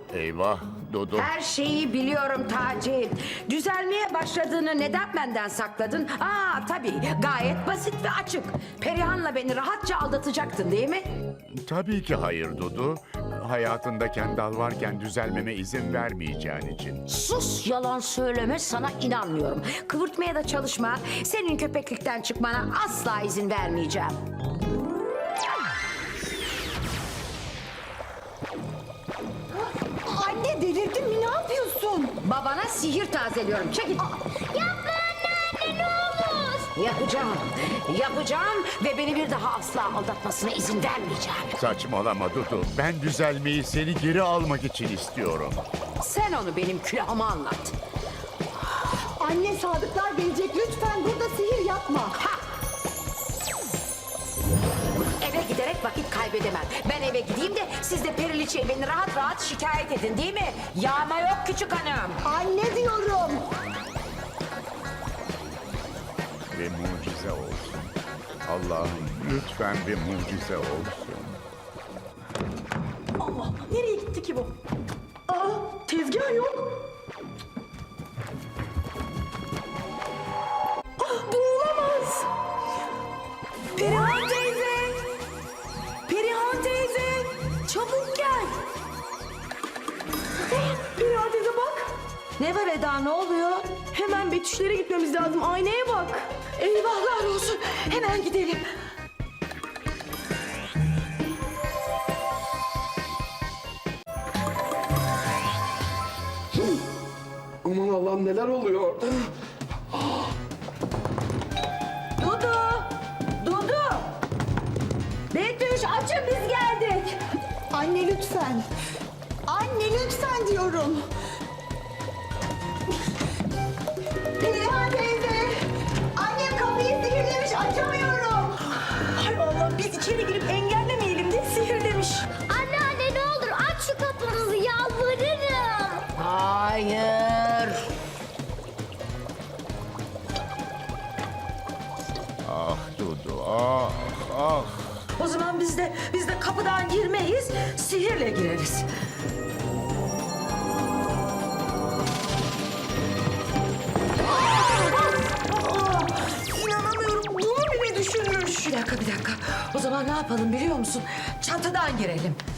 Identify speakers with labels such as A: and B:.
A: Eyvah Dudu.
B: Her şeyi biliyorum Taci. Düzelmeye başladığını neden benden sakladın? Tabii gayet basit ve açık. Perihan'la beni rahatça aldatacaktın değil mi?
A: Tabii ki hayır Dudu. Hayatında Kendal varken düzelmeme izin vermeyeceğin için.
B: Sus, yalan söyleme, sana inanmıyorum. Kıvırtmaya da çalışma. Senin köpeklikten çıkmana asla izin vermeyeceğim.
C: Anne delirdin mi? Ne yapıyorsun?
B: Babana sihir tazeliyorum. Çekil.
C: Yapma anne ne olur.
B: Yapacağım ve beni bir daha asla aldatmasına izin vermeyeceğim.
A: Saçmalama Dudu. Ben düzelmeyi seni geri almak için istiyorum.
B: Sen onu benim külahıma anlat.
C: Anne sadıklar gelecek. Lütfen burada sihir yapma.
B: Eve giderek vakit kaybedemem. Ben eve gideyim de siz de Periliçe'ye beni rahat rahat şikayet edin değil mi? Yağma yok küçük hanım.
C: Anne diyorum.
A: Bir mucize olsun. Allah'ım lütfen bir mucize olsun.
C: Allah, nereye gitti ki bu? Tezgah yok. Bu olamaz. Perihan teyze. Perihan teyze. Çabuk gel. Perihan teyze bak. Ne var Eda, ne oluyor? Hemen Betüşlere gitmemiz lazım. Aynaya bak. Eyvahlar olsun. Hemen gidelim.
D: Aman Allah'ım neler oluyor?
C: Dudu! Dudu! Betüş açın biz geldik. Anne lütfen. Anne lütfen diyorum. Perihan teyze. Annem kapıyı sihirlemiş açamıyorum. Hay Allah biz içeri girip engellemeyelim diye sihirlemiş.
E: Anne ne olur aç şu kapınızı yalvarırım.
B: Hayır.
A: Ah Dudu ah ah.
C: O zaman biz de kapıdan girmeyiz, sihirle gireriz. İnanamıyorum, bunu bile düşünmüş. Bir dakika. O zaman ne yapalım biliyor musun? Çatıdan girelim.